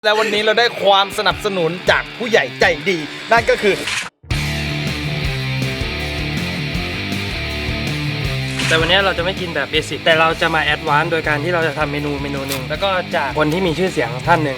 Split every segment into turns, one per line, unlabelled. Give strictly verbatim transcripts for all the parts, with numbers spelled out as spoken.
และวันนี้เราได้ความสนับสนุนจากผู้ใหญ่ใจดีนั่นก็คือ
แต่วันนี้เราจะไม่กินแบบเบสิกแต่เราจะมาแอดวานซ์โดยการที่เราจะทำเมนูเมนูหนึ่งแล้วก็จากคนที่มีชื่อเสียงท่านหนึ่ง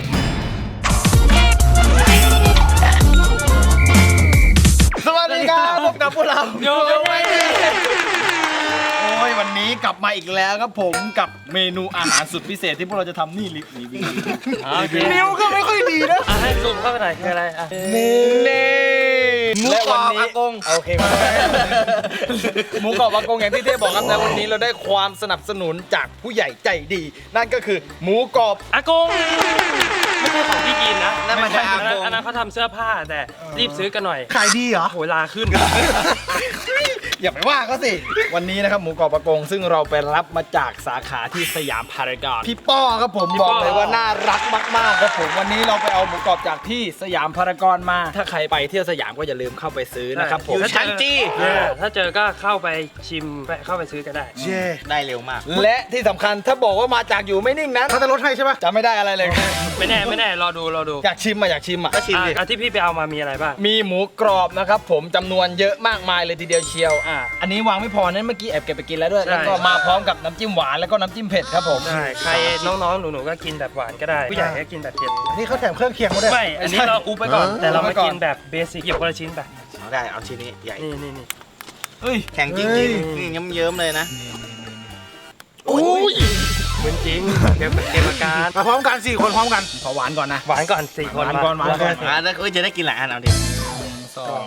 สวัสดีครับพบกับพวกเรา
โยโย่ไม่
โอ้ยวันนี้กลับมาอีกแล้วครับผมกับเมนูอาหารสุดพิเศษที่พวกเราจะทำนี่ลินี่นิ้วก็ไม่ค่อยดีนะ
ให้ซูมเข้าไปหน่อยคืออะไรอ่ะ
เน่เน่หมูกรอบอากงโอเคหมูกรอบอากงอย่างที่เท่บอกครับแต่วันนี้เราได้ความสนับสนุนจากผู้ใหญ่ใจดีนั่นก็คือหมูกรอบ
อากงไม่ใช่ของพี่กินนะ
นั่นมันใช่อากง
อันนั้นเขาทำเสื้อผ้าแต่รีบซื้อกันหน่อย
ขายดีเหรอ
โหลาขึ้น
อย่าไปว่าเขาสิวันนี้นะครับหมูกรอบอากงซึ่งเราไปรับมาจากสาขาที่สยามพารากอนพี่ป้อครับผมบอกเลยว่าน่ารักมากๆครับผมวันนี้เราไปเอาหมูกรอบจากที่สยามพารากอนมาถ้าใครไปเที่ยวสยามก็อย่าลืมเข้าไปซื้อนะครับผม
อยู่ชั้นจีถ้าเจอก็เข้าไปชิมไปเข้าไปซื้อก็ได้
เย่ได้เร็วมากและที่สำคัญถ้าบอกว่ามาจากอยู่ไม่นิ่งนั้น
เขาจะลดให้ใช่ปะ
จะไม่ได้อะไรเลย
ไม่แน่ไม่แน่รอดูรอดู
อยากชิมอ่ะอยากชิมอ่ะ
ก็ชิมดิที่พี่ไปเอามามีอะไรบ้าง
มีหมูกรอบนะครับผมจำนวนเยอะมากมายเลยทีเดียวเชียว
อ่า
อันนี้วางไม่พอนั้นเมื่อกี้แอบเก็บไปกินแล้วด้วยแล้วก็มาพร้อมกับน้ำจิ้มหวานแล้วก็น้ำจิ้มเผ็ดครับผม
ใช่ใครน้องๆหนูๆก็กินแบบหวานก็ได้ผู้ใหญ่ก็กินแบบเผ็ด
นี่เขาแถมเครื่องเคียงมาด้วย
ไม่อันนี้เราอุบไปก่อนแต่เรามากินแบบเบสิกหยิบคนละชิ้นไป
ได้เอาชิ้นนี้ใหญ่
นี่นี่นี่
เฮ้ย
แข็งจริงจริงนี่เยิ้มๆเลยนะ
โอ้ย
เหมือนจริงเก็บเก็บอาการ
มาพร้อมกันสี่คนพร้อมกัน
ขอหวานก่อนนะ
หวานก่อนสี่คน
หวานก่อนหวานก่อน
อ่าแล้วก็จะได้กินหลายอันเอาดิ
สอง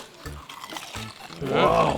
ว้าว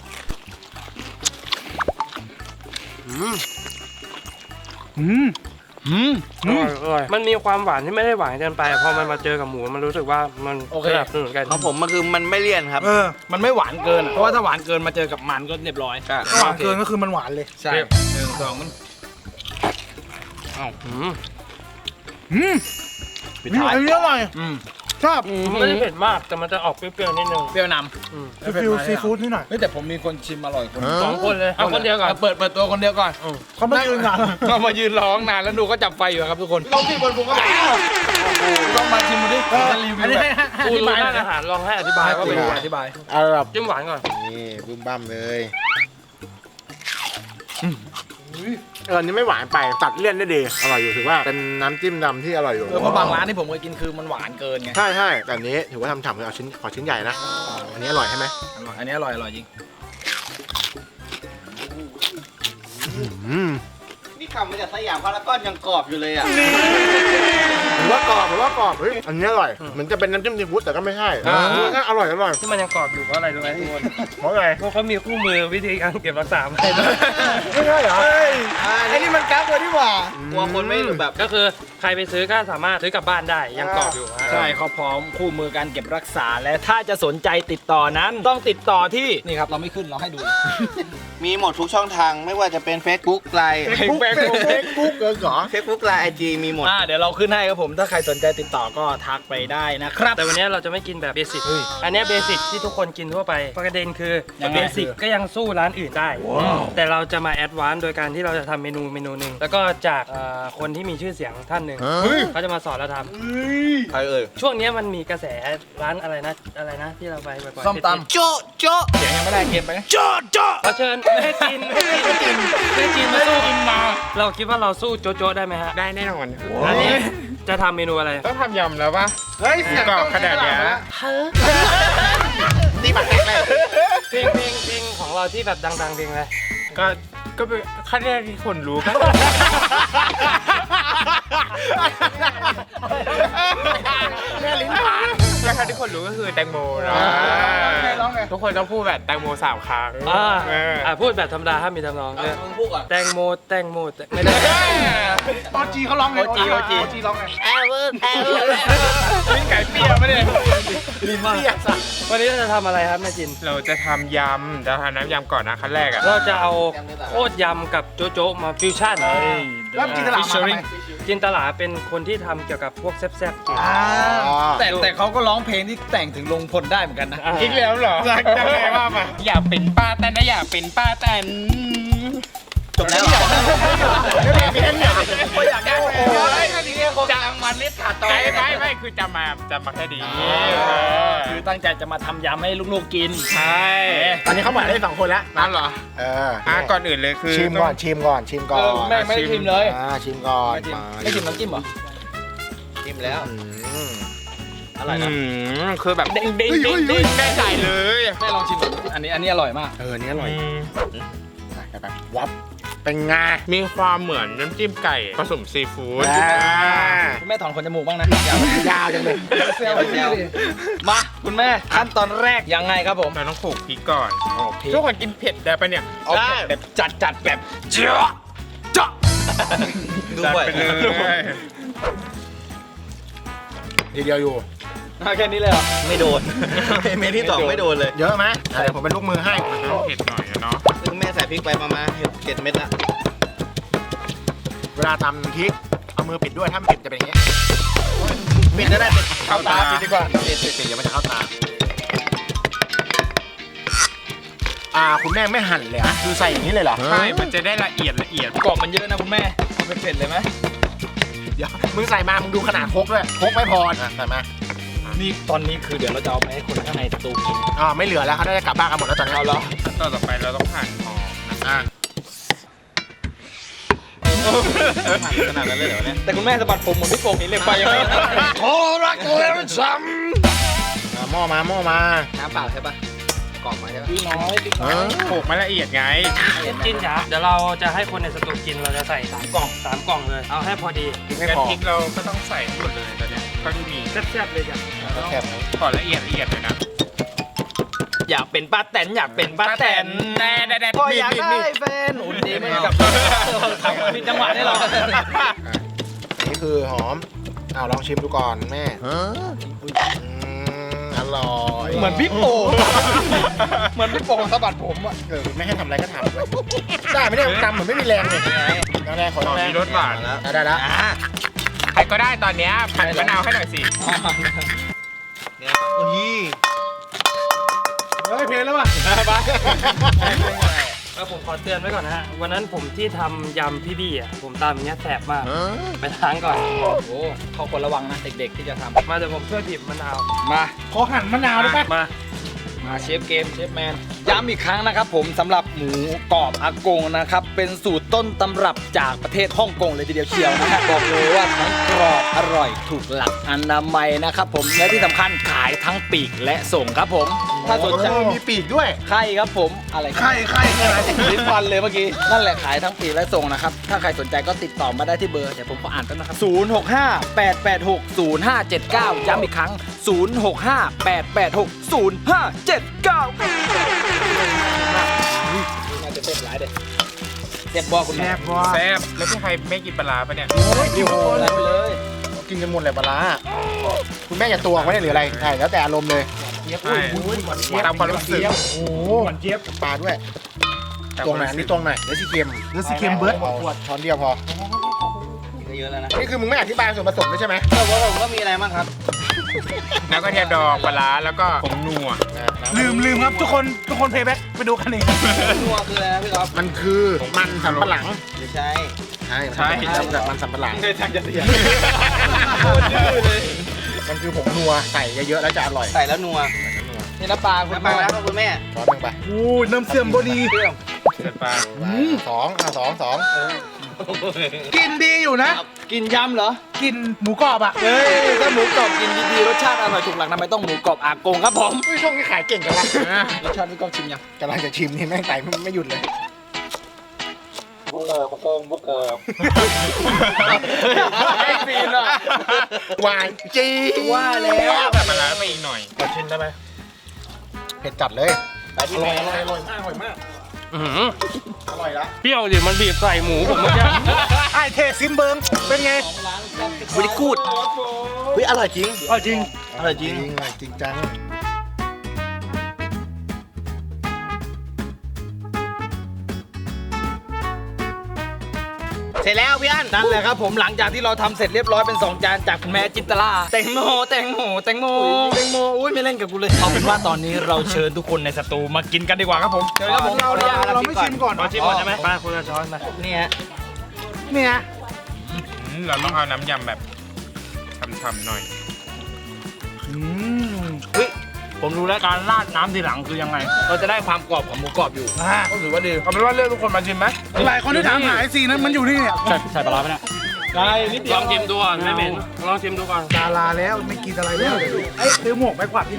อืมอืม
อืม
มันมีความหวานที่ไม่ได้หวานเกินไปพอมันมาเจอกับหมูมันรู้สึกว่ามันสนับสนุนกัน
ของผมมันคือมันไม่เลี่ยนครับ
เออมันไม่หวานเกินเพราะว่าถ้าหวานเกินมาเจอกับมันก็เรียบร้อย
หวานเกินก็คือมันหวานเลย
ใช่หนึ่งสองมัน
อ้าวอืม
อืมปิดท้ายอันนี้อร่อย
อืม
ชอบ
ไม่ได้เผ็ดมากแต่มันจะออกเปรี้ยวๆนิดนึง
เปรี้ยวนำ
ฟิลซีฟู้ดนิดหน่อย
แต่ผมมีคนชิมอร่อยคน
สองคนเลยเอาคนเดียวก่อน
เปิดเปิดตัวคนเดียวก่อน
เขาไม่ยืนนาน
เขามายืนร้องนานแล้วดูก็จับไฟอยู่ครับทุกคนลองที่บนผมก็ต้องมาชิมดูดิรีวิวแบบ
อธิบายอาหารลองให้อธิบายว่าเป็นอธิบาย
เอาแบบ
จิ้มหวานก่อน
นี่บึ้มบั้มเลยเออนี่ไม่หวานไปตัดเลี่ยนได้ดีอร่อยอยู่ถือว่าเป็นน้ำจิ้มดำที่อร่อยอยู่
เพราะบางร้านที่ผมเคยกินคือมันหวานเกินไง
ใช่ใช่แต่อันนี้ถือว่าทำฉ่ำเลยเอาชิ้นขอชิ้นใหญ่นะอันนี้อร่อยใช่ไหม
อร่อยอันนี้อร่อยอร่อยจริง
นี่ขับมาจากสยามพารากอนยังกรอบอยู่เลยอ่ะหรือว่ากรอบหรือว่ากรอบเฮ้ยอันนี้อร่อยเหมือนจะเป็นน้ำจิ้มซีฟู้ดแต่ก็ไม่ใช่อร่อยอร่อย
ที่มันยังกรอบอยู่เพราะอะไรรู้ไหมทุกคน
เพราะอะไร
เพราะเขามีคู่มือวิธีการเก็บรักษาให้
ไม่ใช่เหรอ
ไอ้นี่มันกั๊กเลยดีกว่ากลัวคนไม่แบบ
ก็คือใครไปซื้อก็สามารถซื้อกลับบ้านได้ยังกรอบอยู่
ใช่เขาพร้อมคู่มือการเก็บรักษาและถ้าจะสนใจติดต่อนั้นต้องติดต่อที่นี่ครับเราไม่ขึ้นเราให้ดู
มีหมดทุกช่องทางไม่ว่าจะเป็น Facebook ไลน์
Facebook
Facebook เหรอ Facebook ไลน์ ไอ จี มีหมด
อ่าเดี๋ยวเราขึ้นให้ครับผมถ้าใครสนใจติดต่อก็ทักไปได้นะครับ
แต่วันนี้เราจะไม่กินแบบเบสิกอันนี้เบสิกที่ทุกคนกินทั่วไปประเด็นคือเบสิกก็ยังสู้ร้านอื่นได้แต่เราจะมาแอดวานซ์โดยการที่เราจะทำเมนูเมนูหนึ่งแล้วก็จากคนที่มีชื่อเสียงท่านหนึ่งเขาจะมาสอนเราท
ำใครเอ่ย
ช่วงนี้มันมีกระแสร้านอะไรนะอะไรนะที่เราไปบ่อย
ๆส้มตำโจ๊ะโจ๊ะเสียงยังไม่ได้เกมไป
โจ๊ะโจ๊ะขอเชิญให้จีนให้จีนให้จีนมาสู้กินมาเราคิดว่าเราสู้โจ๊ะโจ๊ะได้ไหมฮะ
ได้แน่นอน
อันนี้จะทำเมนูอะไร
ต้องทำยำแล้วป่ะเฮ้ยเสียงกรอบขนาดนี้
ตีบัตรแตกเลย
เพลงเพลงเพลงของเราที่แบบดังๆเพลงอะไร
ก็ก็เป็นขั้นแรกที่คนรู้ก็แม่ลิ้นผ่านแล้วขั้นที่คนรู้ก็คือแตงโมนะทุกคนต้องพูดแบบแตงโมสามครั้ง
อ่าพูดแบบธรรมดาห้ามมีทำนองแตงโมแตงโมไม่ได้
ตอนจีเขาร้องไง
โอจีโอจี
จีร้องไง
แอเวอร์แอเวอร์
ลิ้นไก่เปรี้ยวไม่ได้
ลิ้นมากวันนี้เราจะทำอะไรครับแม่จิน
เราจะทำยำจะทำน้ำยำก่อนนะขั้นแรกอ่ะ
เราจะเอาโคตรยำกับโจ๊ะโจ๊ะมาฟิวชั่น
แล้วจินตลามา
จินตลาเป็นคนที่ทำเกี่ยวกับพวกแซ่บ
ๆแต่แต่เขาก็ร้องเพลงที่แต่งถึงลงพลได้เหมือนกันนะ
อีกแล้วเหรอจะไงว่ามาอยากเป็นป้าแตนนะอยากเป็นป้าแตน
จบแล้วไม่อยากได้โอ้โหทีนี้คงจังมันนิดขาดตอน
ไม่ไม่ไม่คือจะมาจะมาแค่ดี
คือตั้งใจจะมาทำยำให้ลูกๆกิน
ใช่
ตอนนี้เขาหมายได้สองคนแล้ว
นั่นเหรอ
เออ
อ่ะก่อนอื่นเลยคือ
ชิมก่อนชิมก่อนชิมก่อน
แม่งไม่ได้ชิมเลย
อ่าชิมก่อน
ไม่ชิมไม่ชิมน้ำจิ้มเหรอชิมแล้ว
อืม
อร่อยนะ
อืมคือแบบเด้งเด้งเด้งเด้งได้ใจเลย
แม่ลองชิมดูอันนี้อันนี้อร่อยมาก
เออนี่อร่อย
อืม
ไปไปวับเป็นไง
มีความเหมือนน้ำจิ้มไก่ผสมซีฟู้ด
อ่า
คุณแม่ถอนขนจมูกบ้างนะอย่า
ยาวจังเลย
เซลเซลมาคุณแม่ขั้นตอนแรกยังไงครับผม
เราต้องโขลกพริกก่อน
โอเค
ทุกคนกินเผ็ดได้ปะเนี่ย
เอาแบบจัดจัดแบบเจาะเจาะดู
จัด
บ่อย
ไปเลย
ทีเดียวอยู่
แค่นี้เลยเหรอไม่โดนเมนที่สองไม่โดนเลย
เยอะไหมเดี๋ยวผมเป็นลูกมือให้
ต้องเผ็ดหน่อยอะเนาะ
ซึ่งแม่ใส่พริกไปประมาณเจ็ดเม็ดละ
เวลาตำพริกเอามือปิดด้วยถ้าไม่ปิดจะเป็นอย่างเงี้ย
ปิดก็ได้ปิด
เข้าตา
ปิดดีกว่า
ปิดปิดปิดเดี๋ยวมันจะเข้าตาอ่าคุณแม่ไม่หั่นเลยเหรอ่ะคือใส่อย่างนี้เลยเหรอ
ใช่มันจะได้ละเอียดละเอียด
กรอบมันเยอะนะคุณแม่เอาเผ็ดๆเลยไหม
เดี๋ยวมึงใส่มามึงดูขนาดครกด้วยครกไม่พอนะใส่มา
นี่ตอนนี้คือเดี๋ยวเราจะเอาไปให้คนข้างในสตูกิน
อ่าไม่เหลือแล้วเขาได้กลับบ้านกันหมดแล้วตอนนี้
เอาเหรอ
ขั้นตอนต่อไปเราต้องหั่นหอมนะ
อ่า
ขนาดนั้นเลยเหรอเนี่ยแต่คุณแม่สะบัดผมเหมือนพี่โป่งนี่เรียกไปยังไงขอรักแล้วช้
อ่าหม้อมาหม้อมา
ำน้ำเปล่าใช่ปะกล่องมาใช่ปะพี่น้อยพี่น้อย
โขลกมาละเอียดไง
กินจ้ะเดี๋ยวเราจะให้คนในสตูกินเราจะใส่สามกล่องสามกล่องเลยเอาให้พอดี
ไม่
งั้น
พอ
พริกเราก็ต้องใส่หมดเลยตอนเนี้ยก็ที่มี
แซ่บๆเลยจ้ะ
แค่ไหน
ขอละเอียดละเอียดเลยนะ
อยากเป็นป้าแตนอยากเป็นป้าแตน
แน่แน่แน่
ก็อยากได้แฟนอุ่นดีเหมือนกับทำผิดจังหวะได้หรอ
นี่คือหอมอ้าวลองชิมดูก่อนแม่อืมอร่อย
เหมือนพี่โป่งเหมือนพี่โป่งสะบัดผมอ่ะ
เออไม่ให้ทำอะไรก็ทำด้วยได้ไม่ได้ทำเหมือนไม่มีแรงเลยแรงขอ
หอม
แรง
มีรสหวาน
ได้ได้แล้ว
ใครก็ได้ตอนเนี้ยผัดมะนาวให้หน่อยสิ
เนี่ยโอ้ย
เฮ้ยเพลงแล้วว่ะ
แล้วผมขอเตือนไว้ก่อนนะฮะวันนั้นผมที่ทำยำพี่บี้อ่ะผมตามอย่างเงี้ยแสบมากไปล้างก่อน
โอ้โหเขาควรระวังนะเด็กๆที่จะท
มาเดี๋ยวผมช่วยบีบมะนาว
ำมา
ขอหั่นมะนาวได้ปะ
มา
มาเชฟเกมเชฟแมนย้ำอีกครั้งนะครับผมสำหรับหมูกรอบอากงนะครับเป็นสูตรต้นตำรับจากประเทศฮ่องกงเลยทีเดียวเชียวนะครับบอกเลยว่าทั้งกรอบอร่อยถูกหลักอนามัยนะครับผมและที่สำคัญขายทั้งปีกและส่งครับผม ถ้าสนใจ
มีปีกด้วย
ไข่ครับผมอะไรไข่ไข่อะไรลิ้นฟันเลยเมื่อกี้นั่นแหละขายทั้งปีกและส่งนะครับถ้าใครสนใจก็ติดต่อมาได้ที่เบอร์เดี๋ยวผมขออ่านแป๊บนะครับศูนย์ หก ห้า แปด แปด หก ศูนย์ ห้า เจ็ด เก้าย้ำอีกครั้งศูนย์ หก ห้า แปด แปด หก ศูนย์ ห้า เจ็ด เก้าน่าจะเต็มหลายเด็ดเจ็บบอกคุณแม่
แซ่บแล้วพี่ใครไม่กินปลาร้าปะเนี่ย
โอ้โหไล่ไปเลย
กินกันหมดเลยปลาร้าคุณแม่อย่าตัวไว้หรืออะไรใช่แล้วแต่อารมณ์เลย
ใช่ตามความรู้สึก
โอ้โหหวานเจี๊ยบปลาด้วยตรงไหนอันนี่ตรงไหนเนื้อซีเค็มเนื้อซีเค็มเบิร์ดช้อนเดียวพอ
เยอะแล้วนะ
นี่คือมึงไม่อธิบายส่วนผสมด้วยใช่ไหม
แต่ว่าผมก็มีอะไรบ้างครับ
แล้วก็เทียมดองปลาร้าแล้วก็ผงนัว
ลืมลืมครับทุกคนทุกคนเพย์แบ็กไปดูกันเอง
นัวคืออะไรนะพี่ก๊อฟ
มันคือมันสำปะหลัง
ไม่ใช่
ใช่จากมันสำปะหลัง
เคยทางจะเสียโคตรดื้อเลย
มันคือผงนัวใส่เยอะๆแล้วจะอร่อย
ใส่แล้วนัวนี่น้ำปลาคุณแม่แล้วคุณแม่
ช้อนหนึ่งไปอู้น้ำเสื่อมบดี
เปรี้ยว
เสร็จปลา
สองอ่ะสองสอง
กินดีอยู่นะ กินยำเหรอ
กินหมูกรอบอ่ะ
เฮ้ยถ้าหมูกรอบกินดีๆรสชาติอร่อยถูกหลักทำไมต้องหมูกรอบอากงครับผม
อุ้ยช่วงนี้ขายเก่งจังวะ
รสชาติพี่ก๊อฟชิมยัง
กำลังจะชิมนี่แม่งไต่ไม่หยุดเลย
บุกเออบุกเออบุกเออไม่ซีนอ่ะ
หวานจี
ว่าแล้ว
แต่ปลาร้าไปอีกหน่อย
ขอชิมได้ไหมเผ็ดจัดเลย
ไปที่แม่
อร่อยอร่อยมากอร่อยมาก
อื้อหือ
อร่อยละ
เปรี้ยวดิมันบีบใส่หมูผมเมื่อกี้
ไอเทซิมเบิงเป็นไง
บริกูดเฮ้ยอร่อยจริง
เอาจริง
อร่อยจริง
อร่อยจริงจังเสร็จแล้วพี่อัน
นั่นแหละครับผมหลังจากที่เราทำเสร็จเรียบร้อยเป็นสองจานจากคุณแม่จินตลาแตงโมแตงโมแตงโมแตงโมอุ้ยไม่เล่นกับกูเลยเอาเป็นว่าตอนนี้เราเชิญทุกคนในสตูมากินกันดีกว่าครับผมเชิญครับผม
เราเราเราไม่ชิมก่อน
ขอชิมก่อนใช่ไหมมาคุณละช้อนมา
เนี่ย
เนี่ย
อืมเราต้องเอาน้ำยำแบบฉ่ำๆหน่อย
เฮ้ยผมรู้แล้วการราดน้ำทีหลังคือยังไง เราจะได้ความกรอบของหมูกรอบอยู่ก็ถือว่าดี
เอาเป็นว่าเลือกทุกคนมาชิมไหม
หลายคนที่ถามหาไอซีนั้นมันอยู่นี่เนี่ย
ใส่ใส่ปลาร้าไหมเนี่ยใช่นิดเดี
ล
ยว
องชิมดูก่อนไม่เหม็นลองชิมดูก่อน
ดาราแล้วไม่กินอะไรแล้ว
เอ้ยซื้อหมวกไปกวาดที่ไหน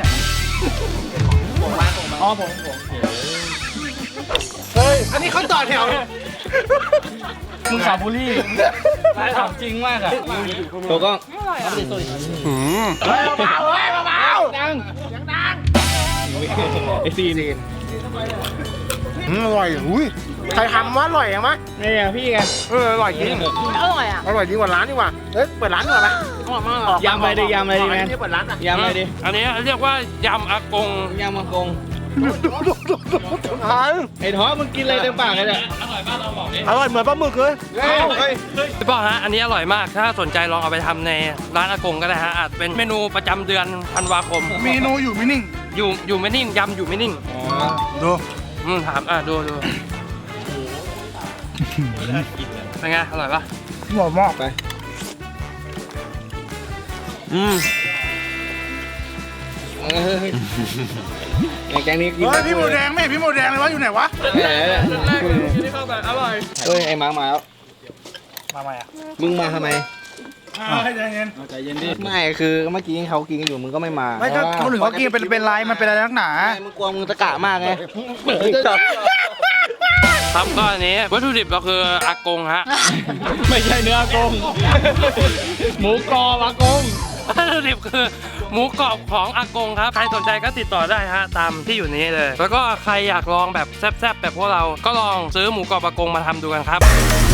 อ๋อผมผม
เฮ้ยอันนี้เขาต่อแถว
มึงสาบุรี่ถามจริงมากอะตัวก็
อืม
เฮ้ยเบาๆเฮ้ยเบา
ดังดังไอซีน
ๆอืมอร่อยอุ้ยใครทำว่าอร่อยยังมะ
เนี่ยพี่ไง
เอออร่อยจริง
อร่อยอ่ะ
อร่อยจริงกว่าร้านดีกว่าเฮ้ยเปิดร้านดีกว่าไหม
อร่อยมาก
ยำไปดิยำไปดิแมน
เปิดร้านอ่ะ
ยำไปดิ
อันนี้เรียกว่ายำอากง
ยำมังกง
ทาน
ไอ้ท้อมึงกินอะไรเต็มปากเลยเนี่ย
อร่อยเหมือนปลาหมึกเลย
เฮ้ย
พี่ป้อฮะอันนี้อร่อยมากถ้าสนใจลองเอาไปทำในร้านอากงก็ได้ฮะอาจเป็นเมนูประจำเดือนธันวาคม
เมนูอยู่ไม่นิ่ง
อยู่อยู่ไม่นิ่งยำอยู่ไม่นิ่ง
ดู
อืมถามอ่ะดูดูเป็นไงอร่อยปะ
หอมมาก
อืมไอ้แกงนี้กิน
เฮ้ยพี่หมูแดงไม่เห็นพี่หมูแดงเลยวะอยู่ไหนวะ
ที่เข้าแบบอร่อย
เฮ้ยไอ้มาร์คมาแล้ว
มาใหม่อ่ะ
มึงมาทำไม
ใจเย็น
ใจเย็นดิไม่คือเมื่อกี้เขากินกันอยู่มึงก็ไม่มา
ไม่ก็เขาถึงเขากินเป็นเป็นไรมันเป็นอะไรนักหนา
ไม่มึงกลัวมึงตะกะมากไง
ครับก็อันนี้วัตถุดิบก็คืออากงฮะ
ไม่ใช่เนื้ออากงหมูกรอบอากง
วัตถุดิบคือหมูกรอบของอากงครับ ใครสนใจก็ติดต่อได้ฮะ ตามที่อยู่นี้เลย แล้วก็ใครอยากลองแบบแซ่บๆแบบพวกเรา ก็ลองซื้อหมูกรอบอากงมาทำดูกันครับ